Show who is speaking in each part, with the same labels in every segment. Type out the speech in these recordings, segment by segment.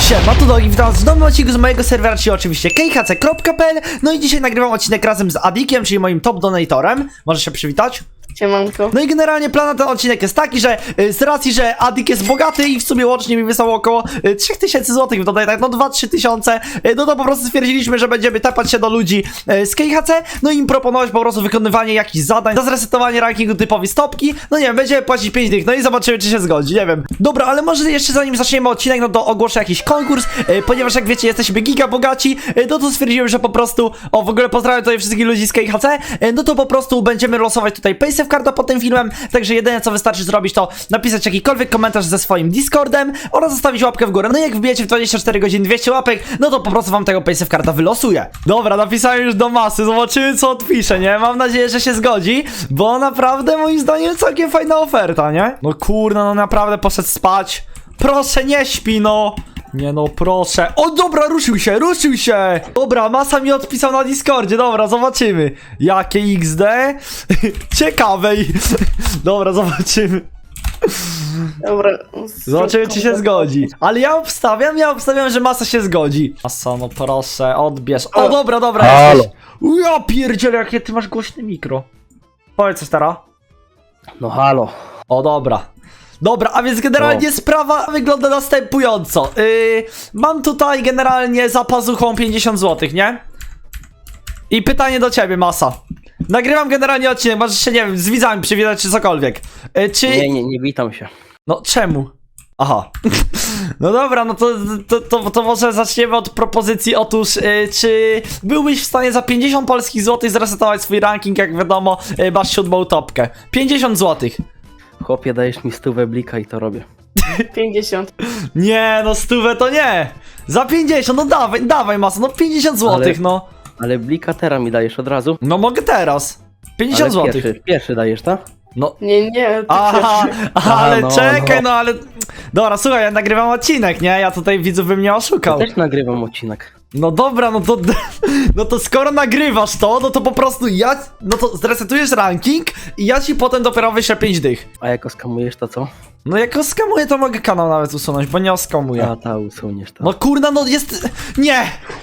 Speaker 1: Siema, tu Dogi, witam was w nowym odcinku z mojego serwera, czyli oczywiście khc.pl. No i dzisiaj nagrywam odcinek razem z Adikiem, czyli moim top donatorem. Możesz się przywitać?
Speaker 2: Siemanko.
Speaker 1: No i generalnie plan na ten odcinek jest taki, że z racji, że Adik jest bogaty i w sumie łącznie mi wysłał około 3000 zł w donatach, no 2-3 tysiące, no to po prostu stwierdziliśmy, że będziemy tepać się do ludzi z KHC, no i im proponować po prostu wykonywanie jakichś zadań za zresetowanie rankingu typowi stopki, no nie wiem, będziemy płacić 5 dych, no i zobaczymy, czy się zgodzi, nie wiem. Dobra, ale może jeszcze zanim zaczniemy odcinek, no to ogłoszę jakiś konkurs, ponieważ jak wiecie, jesteśmy giga bogaci, no to stwierdziłem, że po prostu, w ogóle pozdrawiam tutaj wszystkich ludzi z KHC, no to po prostu będziemy losować tutaj paysafe karta pod tym filmem, także jedyne co wystarczy zrobić, to napisać jakikolwiek komentarz ze swoim Discordem oraz zostawić łapkę w górę. No i jak wbijecie w 24 godziny 200 łapek, no to po prostu wam tego paysafe karta wylosuje. Dobra, napisałem już do masy, zobaczymy co odpisze, nie? Mam nadzieję, że się zgodzi, bo naprawdę moim zdaniem całkiem fajna oferta, nie? No kurna, no naprawdę poszedł spać. Proszę, nie śpi, no. Nie no, proszę. O, dobra, ruszył się, ruszył się. Dobra, masa mi odpisał na Discordzie, dobra, zobaczymy. Jakie XD? Ciekawe. Dobra, zobaczymy.
Speaker 2: Dobra.
Speaker 1: Zobaczymy, czy się zgodzi. Ale ja obstawiam, że masa się zgodzi. Masa, no proszę, odbierz. O, dobra, dobra,
Speaker 3: Halo.
Speaker 1: jesteś. Ja pierdzielę, jakie ty masz głośne mikro. Powiedz coś teraz.
Speaker 3: No halo.
Speaker 1: O, dobra. Dobra, a więc generalnie sprawa wygląda następująco. Mam tutaj generalnie za pazuchą 50 zł, nie? I pytanie do ciebie, masa. Nagrywam generalnie odcinek, możesz się, nie wiem, z widzami przywitać czy cokolwiek. Czy...
Speaker 3: Nie witam się.
Speaker 1: No, czemu? Aha. No dobra, no to może zaczniemy od propozycji. Otóż, czy byłbyś w stanie za 50 polskich złotych zresetować swój ranking? Jak wiadomo, masz 7. topkę. 50 złotych.
Speaker 3: Chłopie, dajesz mi 100 blika i to robię.
Speaker 2: 50.
Speaker 1: Nie, no 100 to nie. Za 50, no dawaj masa, no 50 złotych, no.
Speaker 3: Ale blika teraz mi dajesz od razu.
Speaker 1: No mogę teraz. 50
Speaker 3: Ale
Speaker 1: złotych.
Speaker 3: Pierwszy dajesz, tak?
Speaker 1: No.
Speaker 2: Nie, to
Speaker 1: Aha, ale
Speaker 3: no,
Speaker 1: czekaj,
Speaker 3: no.
Speaker 1: no ale... Dobra, słuchaj, ja nagrywam odcinek, nie? Ja tutaj widzów bym nie oszukał.
Speaker 3: Ja też nagrywam odcinek.
Speaker 1: No dobra, no to... No to skoro nagrywasz to, no to po prostu ja... No to zresetujesz ranking i ja ci potem dopiero wyślę 5 dych.
Speaker 3: A jak oskamujesz to co?
Speaker 1: No jak oskamuję, to mogę kanał nawet usunąć, bo nie oskamuję.
Speaker 3: A ta usuniesz to.
Speaker 1: No kurna, no jest... Nie!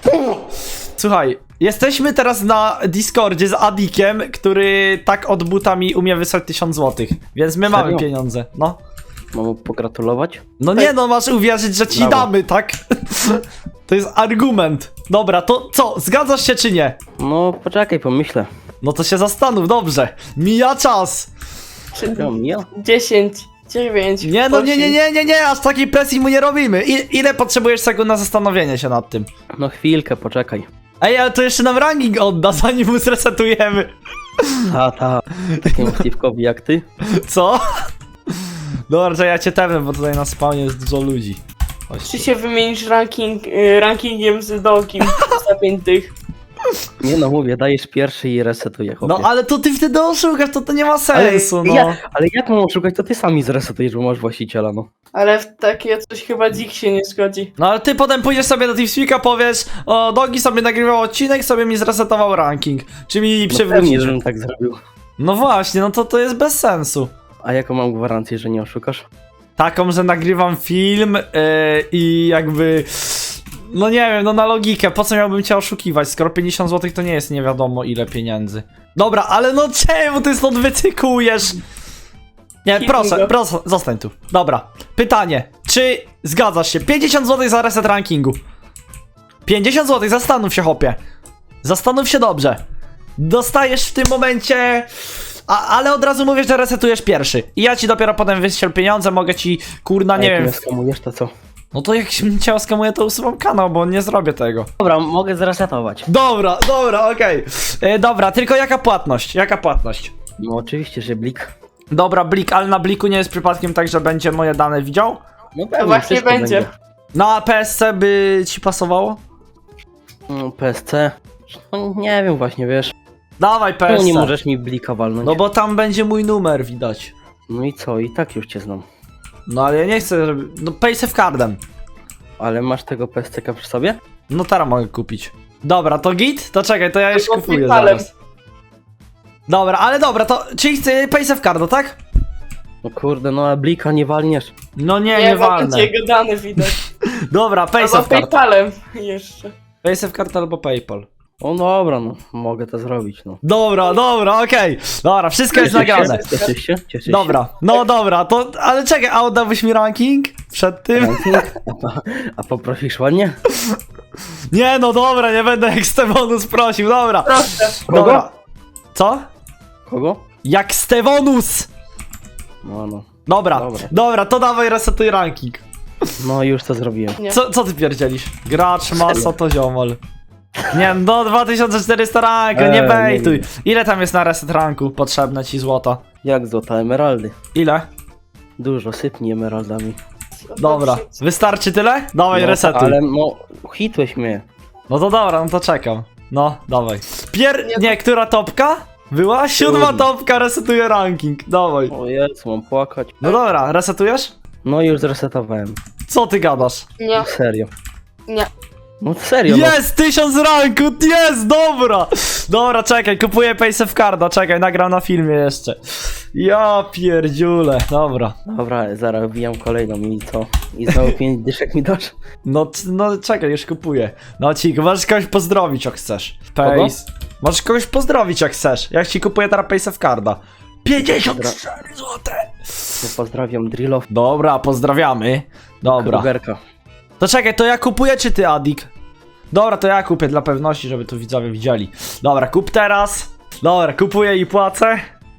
Speaker 1: Słuchaj, jesteśmy teraz na Discordzie z Adikiem, który tak od buta mi umie wysłać 1000 złotych. Więc my mamy
Speaker 3: Serio?
Speaker 1: pieniądze, no.
Speaker 3: Mam mu pogratulować?
Speaker 1: No nie no, masz uwierzyć, że ci
Speaker 3: Brawo.
Speaker 1: damy, tak? To jest argument. Dobra, to co, zgadzasz się czy nie?
Speaker 3: No poczekaj, pomyślę.
Speaker 1: No to się zastanów, dobrze. Mija czas.
Speaker 3: Ja?
Speaker 2: 10, 9.
Speaker 1: Nie no,
Speaker 2: 8.
Speaker 1: nie, aż takiej presji mu nie robimy. Ile potrzebujesz sekund na zastanowienie się nad tym?
Speaker 3: No chwilkę, poczekaj.
Speaker 1: Ej, ale to jeszcze nam ranking odda, zanim mu zresetujemy.
Speaker 3: Ta. Takiemu Steve'kowi jak ty.
Speaker 1: Co? Dobra, że ja cię tepnę, bo tutaj na spawnie jest dużo ludzi. Chodź
Speaker 2: Czy
Speaker 1: tu.
Speaker 2: się wymienisz rankingiem z Dogiem za 5 tych?
Speaker 3: Nie no, mówię, dajesz pierwszy i resetuję, chłopie.
Speaker 1: No ale to ty wtedy oszukasz, to nie ma sensu, no.
Speaker 3: Ale jak mam oszukać, to ty sami zresetujesz, bo masz właściciela, no.
Speaker 2: Ale w takie coś chyba dzik się nie zgodzi.
Speaker 1: No ale ty potem pójdziesz sobie do TeamSpeak'a, powiesz: o, Dogi sobie nagrywał odcinek, sobie mi zresetował ranking. Czy mi
Speaker 3: No pewnie,
Speaker 1: przywrócisz?
Speaker 3: żebym tak zrobił.
Speaker 1: No właśnie, no to jest bez sensu.
Speaker 3: A jaką mam gwarancję, że nie oszukasz?
Speaker 1: Taką, że nagrywam film i jakby... No nie wiem, no na logikę, po co miałbym cię oszukiwać, skoro 50 zł to nie jest nie wiadomo ile pieniędzy. Dobra, ale no czemu ty stąd wycykujesz? Nie, proszę, zostań tu. Dobra, pytanie, czy zgadzasz się? 50 zł za reset rankingu. 50 zł, zastanów się, chłopie. Zastanów się dobrze. Dostajesz w tym momencie... ale od razu mówię, że resetujesz pierwszy. I ja ci dopiero potem wyślę pieniądze, mogę ci, kurna, nie
Speaker 3: jak
Speaker 1: wiem...
Speaker 3: mnie skamujesz, to co?
Speaker 1: No to jak cię oskamuję, to usuwam kanał, bo nie zrobię tego.
Speaker 3: Dobra, mogę zresetować.
Speaker 1: Dobra, okej. Dobra, tylko jaka płatność? Jaka płatność?
Speaker 3: No oczywiście, że blik.
Speaker 1: Dobra, blik, ale na bliku nie jest przypadkiem tak, że będzie moje dane widział?
Speaker 3: No pewnie,
Speaker 2: Właśnie
Speaker 3: wszystko
Speaker 2: będzie.
Speaker 1: Na PSC by ci pasowało?
Speaker 3: No, PSC? No, nie wiem właśnie, wiesz.
Speaker 1: Dawaj
Speaker 3: Czemu
Speaker 1: PSC.
Speaker 3: nie możesz mi blika walnąć?
Speaker 1: No bo tam będzie mój numer widać.
Speaker 3: No i co, i tak już cię znam.
Speaker 1: No ale ja nie chcę, żeby... No paysafe cardem.
Speaker 3: Ale masz tego PSC-ka przy sobie?
Speaker 1: No teraz mogę kupić. Dobra, to git? To czekaj, to ja już
Speaker 2: Albo
Speaker 1: kupuję
Speaker 2: PayPalem.
Speaker 1: zaraz. Dobra, ale dobra, to... Czyli chcę paysafe cardo, tak?
Speaker 3: No kurde, no a blika nie walniesz.
Speaker 1: No nie
Speaker 2: Nie, bo
Speaker 1: walnę.
Speaker 2: będzie jego dane widać.
Speaker 1: Dobra,
Speaker 2: Albo
Speaker 1: PaySafe card.
Speaker 2: PayPalem jeszcze.
Speaker 1: PaySafe card albo PayPal.
Speaker 3: O dobra, no mogę to zrobić, no.
Speaker 1: Dobra, okej. Dobra, wszystko jest nagrane.
Speaker 3: Cieszysz się? Cieszysz się?
Speaker 1: Dobra, no dobra, to, ale czekaj, a oddałbyś mi ranking przed tym?
Speaker 3: Ranking? A poprosisz ładnie?
Speaker 1: Nie, no dobra, nie będę jak Stevonus prosił, dobra.
Speaker 2: Proszę.
Speaker 1: Dobra. Co?
Speaker 3: Kogo?
Speaker 1: Jak Stevonus!
Speaker 3: No.
Speaker 1: Dobra, to dawaj resetuj ranking.
Speaker 3: No już to zrobiłem.
Speaker 2: Nie.
Speaker 1: Co ty pierdzielisz? Gracz, masa to ziomol. Nie, no 2400 ranku, nie
Speaker 3: nie
Speaker 1: bejtuj.
Speaker 3: wiem.
Speaker 1: Ile tam jest na reset ranku potrzebne ci złota?
Speaker 3: Jak złota emeraldy.
Speaker 1: Ile?
Speaker 3: Dużo, sypnij emeraldami.
Speaker 1: Dobra, wystarczy tyle? Dawaj
Speaker 3: No,
Speaker 1: resetuj.
Speaker 3: ale no, hitłeś mnie.
Speaker 1: No to dobra, no to czekam. No, dawaj. Nie, która topka? Była? 7.
Speaker 3: Siódma.
Speaker 1: topka, resetuje ranking. Dawaj.
Speaker 3: O Jezu, mam płakać.
Speaker 1: No dobra, resetujesz?
Speaker 3: No już zresetowałem.
Speaker 1: Co ty gadasz?
Speaker 2: Nie,
Speaker 3: Serio.
Speaker 2: nie.
Speaker 3: No serio, no.
Speaker 1: Jest! 1000 ranku! Jest! Dobra! Dobra, czekaj, kupuję PaySafe Carda, czekaj, nagram na filmie jeszcze. Ja pierdziule, dobra.
Speaker 3: Dobra, zaraz wbijam kolejną i co? I znowu 5 dyszek mi dasz?
Speaker 1: No czekaj, już kupuję. No ci, możesz kogoś pozdrowić jak chcesz.
Speaker 3: Kogo?
Speaker 1: Możesz kogoś pozdrowić jak chcesz. Jak ci kupuję teraz PaySafe Carda. 54 złote!
Speaker 3: No, pozdrawiam Drillow.
Speaker 1: Dobra, pozdrawiamy. Dobra.
Speaker 3: Krugerka.
Speaker 1: To czekaj, to ja kupuję czy ty, Adik? Dobra, to ja kupię dla pewności, żeby tu widzowie widzieli. Dobra, kup teraz. Dobra, kupuję i płacę.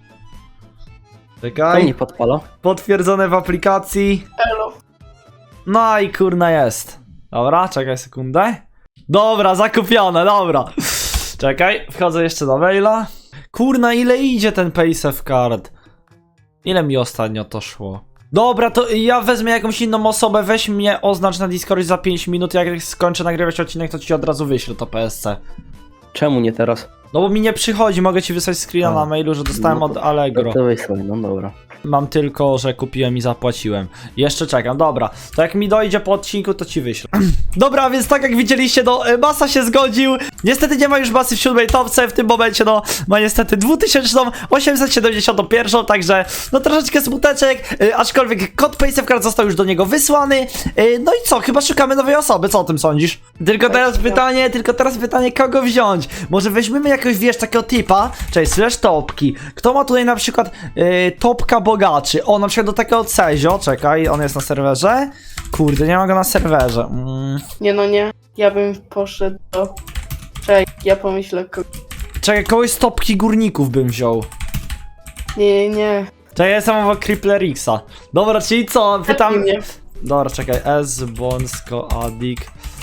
Speaker 3: To
Speaker 1: Czekaj.
Speaker 3: mnie podpala.
Speaker 1: Potwierdzone w aplikacji.
Speaker 2: Elo.
Speaker 1: No i kurna jest. Dobra, czekaj sekundę. Dobra, zakupione, dobra. Czekaj, wchodzę jeszcze do maila. Kurna, ile idzie ten PaySafe Card? Ile mi ostatnio to szło? Dobra, to ja wezmę jakąś inną osobę, weź mnie, oznacz na Discordzie za 5 minut, jak skończę nagrywać odcinek, to ci od razu wyślę to PSC.
Speaker 3: Czemu nie teraz?
Speaker 1: No bo mi nie przychodzi, mogę ci wysłać screena
Speaker 3: A.
Speaker 1: na mailu, że dostałem
Speaker 3: No
Speaker 1: od
Speaker 3: to-
Speaker 1: Allegro.
Speaker 3: To weź sobie, no dobra.
Speaker 1: Mam tylko, że kupiłem i zapłaciłem. Jeszcze czekam, dobra. To jak mi dojdzie po odcinku, to ci wyślę. Dobra, więc tak jak widzieliście, no Masa się zgodził. Niestety nie ma już Masy w 7. topce, w tym momencie no ma niestety 2871, także no troszeczkę smuteczek, aczkolwiek kod PaySafe Card został już do niego wysłany. No i co, chyba szukamy nowej osoby, co o tym sądzisz? Tylko teraz pytanie, kogo wziąć? Może weźmiemy jakiegoś, wiesz, takiego typa, czyli slash topki. Kto ma tutaj na przykład topka bogaczy? O, na przykład do takiego Cezio, czekaj, on jest na serwerze? Kurde, nie ma go na serwerze.
Speaker 2: Nie, no nie. Ja bym poszedł do... Czekaj, ja pomyślę.
Speaker 1: Czekaj, kogoś z topki górników bym wziął.
Speaker 2: Nie.
Speaker 1: Czekaj, ja jestem obok Crippler-Xa. Dobra, czyli co? Pytam...
Speaker 2: Nie.
Speaker 1: Dobra, czekaj, S, Bonsko, Adik.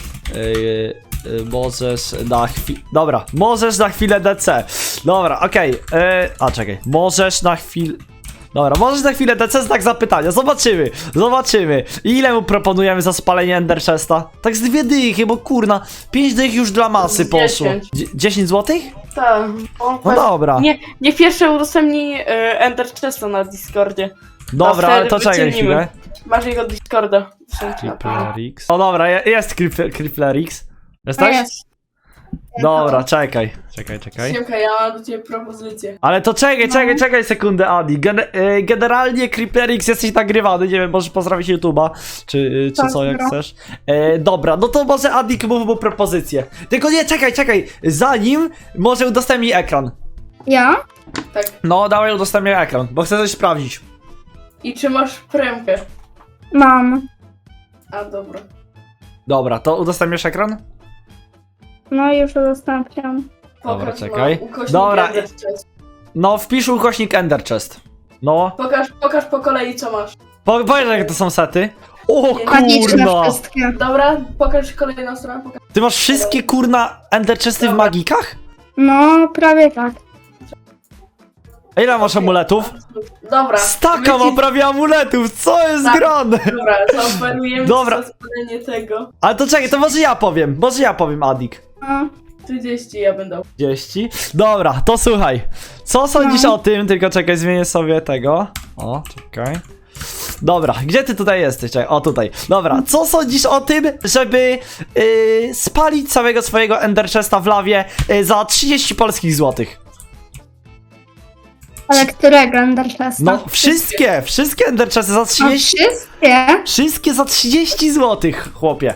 Speaker 1: Możesz na chwilę. Dobra, możesz na chwilę DC. Dobra, okej. Czekaj. Możesz na chwilę. Dobra, możesz na chwilę DC znak zapytania. Zobaczymy. I ile mu proponujemy za spalenie Ender Chesta? Tak z 2 dychy, bo kurna, 5 dych już dla masy
Speaker 2: Z
Speaker 1: poszło.
Speaker 2: 10.
Speaker 1: 10 złotych?
Speaker 2: Tak.
Speaker 1: No dobra.
Speaker 2: Niech pierwsze udostępni Ender Chesta na Discordzie.
Speaker 1: Dobra,
Speaker 2: wtedy
Speaker 1: ale to czekaj
Speaker 2: wycenimy.
Speaker 1: chwilę.
Speaker 2: Masz jego Discorda.
Speaker 1: Crippler-X. O dobra, jest Crippler-X. Jesteś?
Speaker 2: Jest.
Speaker 1: Dobra, czekaj.
Speaker 2: Siemka, ja mam do ciebie propozycję.
Speaker 1: Ale to czekaj sekundę, Adi. Generalnie Crippler-X jesteś nagrywany, nie wiem, możesz pozdrowić YouTube'a, czy
Speaker 4: Tak,
Speaker 1: co, jak
Speaker 4: dobra.
Speaker 1: chcesz. Dobra, no to może Adik mów mu propozycję. Tylko nie, czekaj, zanim może udostępnij ekran.
Speaker 4: Ja?
Speaker 2: Tak.
Speaker 1: No, dawaj udostępnij ekran, bo chcę coś sprawdzić.
Speaker 2: I czy masz premkę?
Speaker 4: Mam.
Speaker 2: A, dobra.
Speaker 1: Dobra, to udostępniasz ekran?
Speaker 4: No już udostępniam.
Speaker 1: Dobra,
Speaker 2: Pokaż,
Speaker 1: czekaj.
Speaker 2: no, ukośnik
Speaker 1: Dobra,
Speaker 2: Ender Chest.
Speaker 1: No, wpisz ukośnik Ender Chest. No,
Speaker 2: Pokaż po kolei, co masz.
Speaker 1: powiedz jakie to są sety. O
Speaker 4: Magiczne
Speaker 1: kurna!
Speaker 4: wszystkie.
Speaker 2: Dobra, pokaż kolejną stronę.
Speaker 1: Ty masz wszystkie kurna Ender Chesty w
Speaker 2: Dobra.
Speaker 1: magikach?
Speaker 4: No, prawie tak.
Speaker 1: A ile masz amuletów?
Speaker 2: Dobra.
Speaker 1: Staka ma prawie amuletów, co jest
Speaker 2: Tak.
Speaker 1: grane?
Speaker 2: Dobra, zaoferujemy
Speaker 1: Dobra.
Speaker 2: za spalenie tego.
Speaker 1: Ale to czekaj, to może ja powiem, Adik.
Speaker 4: No.
Speaker 2: 30 ja będę.
Speaker 1: 30. Dobra, to słuchaj. Co sądzisz o tym? Tylko czekaj, zmienię sobie tego. O, czekaj. Dobra, gdzie ty tutaj jesteś? Czekaj, o tutaj. Dobra, co sądzisz o tym, żeby spalić całego swojego Ender Chesta w lawie za 30 polskich złotych?
Speaker 4: Ale którego Ender Chesta?
Speaker 1: No wszystkie Ender Chesty za
Speaker 4: No
Speaker 1: 30,
Speaker 4: wszystkie?
Speaker 1: wszystkie za 30 zł, chłopie.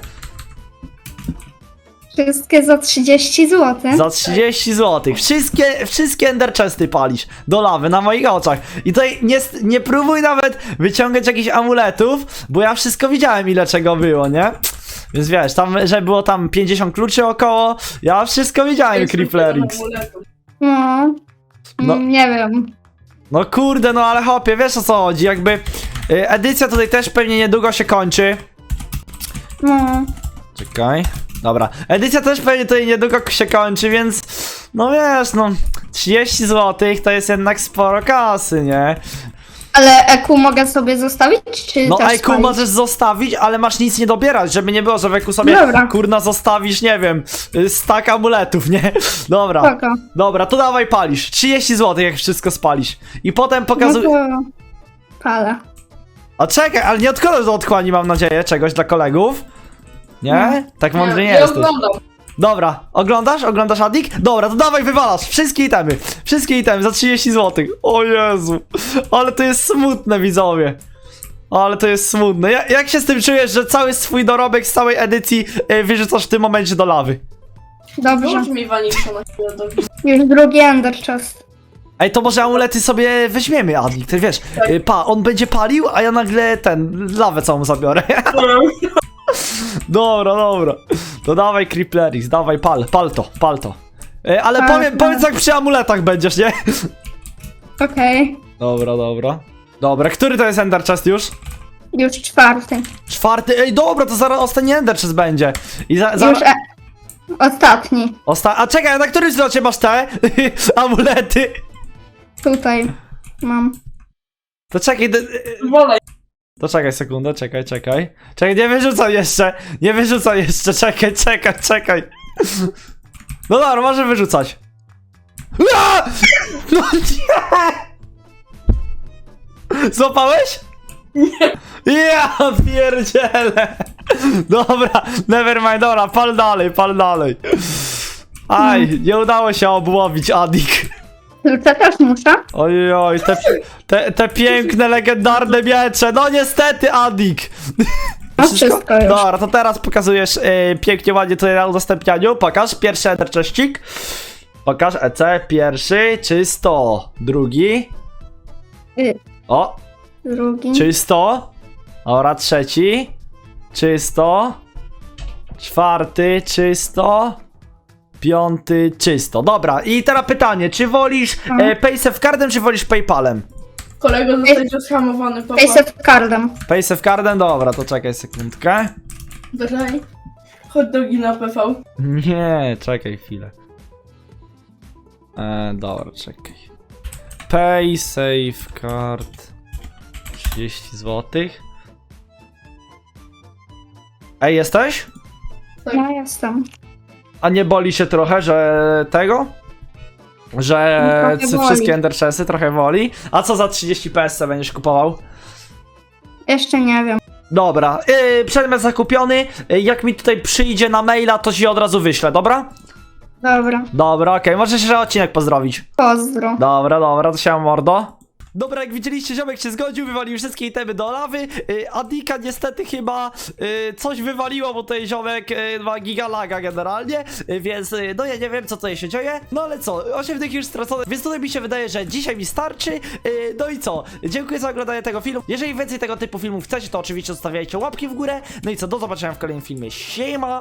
Speaker 4: Wszystkie za 30 zł.
Speaker 1: Za 30 zł. Wszystkie Ender Chesty palisz do lawy na moich oczach. I tutaj nie próbuj nawet wyciągać jakichś amuletów, bo ja wszystko widziałem, ile czego było, nie? Więc wiesz, tam, że było tam 50 kluczy około, ja wszystko widziałem, Creeplerix.
Speaker 4: No.
Speaker 1: No.
Speaker 4: Nie wiem.
Speaker 1: No kurde, no ale hopie, wiesz o co chodzi, jakby edycja tutaj też pewnie niedługo się kończy.
Speaker 4: No.
Speaker 1: Czekaj. Dobra, edycja też pewnie tutaj niedługo się kończy, więc no wiesz, no 30 zł to jest jednak sporo kasy, nie?
Speaker 4: Ale EQ mogę sobie zostawić, czy
Speaker 1: No
Speaker 4: też
Speaker 1: IQ
Speaker 4: spalić?
Speaker 1: możesz zostawić, ale masz nic nie dobierać, żeby nie było, że w IQ sobie
Speaker 4: Dobra.
Speaker 1: kurna zostawisz, nie wiem, stack amuletów, nie? Dobra,
Speaker 4: Spoko.
Speaker 1: dobra, to dawaj palisz, 30 zł jak wszystko spalisz. I potem
Speaker 4: No
Speaker 1: pokazuj...
Speaker 4: to... Palę.
Speaker 1: A czekaj, ale nie odkładasz do otchłani, mam nadzieję, czegoś dla kolegów? Nie? Tak mądry nie
Speaker 2: ja
Speaker 1: jesteś.
Speaker 2: oglądam.
Speaker 1: Dobra, oglądasz? Oglądasz Adik? Dobra, to dawaj wywalasz wszystkie itemy za 30 zł. O Jezu, ale to jest smutne, widzowie. Ale to jest smutne. Jak się z tym czujesz, że cały swój dorobek z całej edycji wyrzucasz w tym momencie do lawy?
Speaker 4: Dobrze.
Speaker 2: Włącz mi Vanisha na chwilę do
Speaker 4: Już drugi Ender Chest.
Speaker 1: Ej, to może amulety sobie weźmiemy, Adik, ty wiesz, on będzie palił, a ja nagle lawę całą zabiorę. Dobra, dobra. To dawaj Creeplerix, dawaj pal to. Ale
Speaker 4: Tak,
Speaker 1: powiedz jak przy amuletach będziesz, nie?
Speaker 4: Okej.
Speaker 1: Dobra. Dobra, który to jest Ender Chest już?
Speaker 4: Już czwarty.
Speaker 1: Czwarty, ej dobra, to zaraz ostatni Ender Chest będzie. I
Speaker 4: Już ostatni.
Speaker 1: A czekaj, na którym zlocie masz te amulety?
Speaker 4: Tutaj mam.
Speaker 1: To czekaj,
Speaker 2: Wolej.
Speaker 1: to czekaj sekundę, czekaj. Czekaj, nie wyrzucaj jeszcze, czekaj. No dobra, może wyrzucać. Ua! No nie! Złapałeś? Nie. Ja pierdzielę. Dobra, nevermind, dobra, pal dalej. Aj, nie udało się obłowić, Adik.
Speaker 4: Klucze też muszę?
Speaker 1: Ojoj, te piękne, legendarne miecze. No niestety, Adik.
Speaker 4: No wszystko już.
Speaker 1: Dobra, to teraz pokazujesz pięknie, ładnie tutaj na udostępnianiu. Pokaż, pierwszy Ender Chestik. Pokaż EC, pierwszy, czysto. Drugi. O,
Speaker 4: Drugi.
Speaker 1: czysto. Dobra, trzeci. Czysto. Czwarty, czysto. Piąty, czysto. Dobra, i teraz pytanie, czy wolisz PaySafeCardem, czy wolisz PayPalem?
Speaker 2: Kolego zostać oskamowany, papa.
Speaker 4: Face cardem.
Speaker 1: PaySafeCardem? Dobra, to czekaj sekundkę.
Speaker 2: Daj. Chodź do gina PV.
Speaker 1: Nie, czekaj chwilę. Dobra, czekaj. PaySafeCard 30 zł. Ej, jesteś?
Speaker 2: Tak.
Speaker 4: Ja jestem.
Speaker 1: A nie boli się trochę, że tego? Że
Speaker 4: No, trochę boli.
Speaker 1: wszystkie Ender Chesty trochę woli? A co za 30 PSC będziesz kupował?
Speaker 4: Jeszcze nie wiem.
Speaker 1: Dobra, przedmiot zakupiony. Jak mi tutaj przyjdzie na maila, to ci od razu wyślę, dobra?
Speaker 4: Dobra.
Speaker 1: Dobra, okej, możesz jeszcze odcinek pozdrowić.
Speaker 4: Pozdro.
Speaker 1: Dobra, to się mordo. Dobra, jak widzieliście, ziomek się zgodził, wywalił wszystkie itemy do lawy. Adika niestety chyba coś wywaliło, bo tutaj ziomek ma gigalaga generalnie, więc no ja nie wiem, co tutaj się dzieje. No ale co, 8 tych już stracone, więc tutaj mi się wydaje, że dzisiaj mi starczy. No i co, dziękuję za oglądanie tego filmu. Jeżeli więcej tego typu filmów chcecie, to oczywiście zostawiajcie łapki w górę. No i co, do zobaczenia w kolejnym filmie. Siema!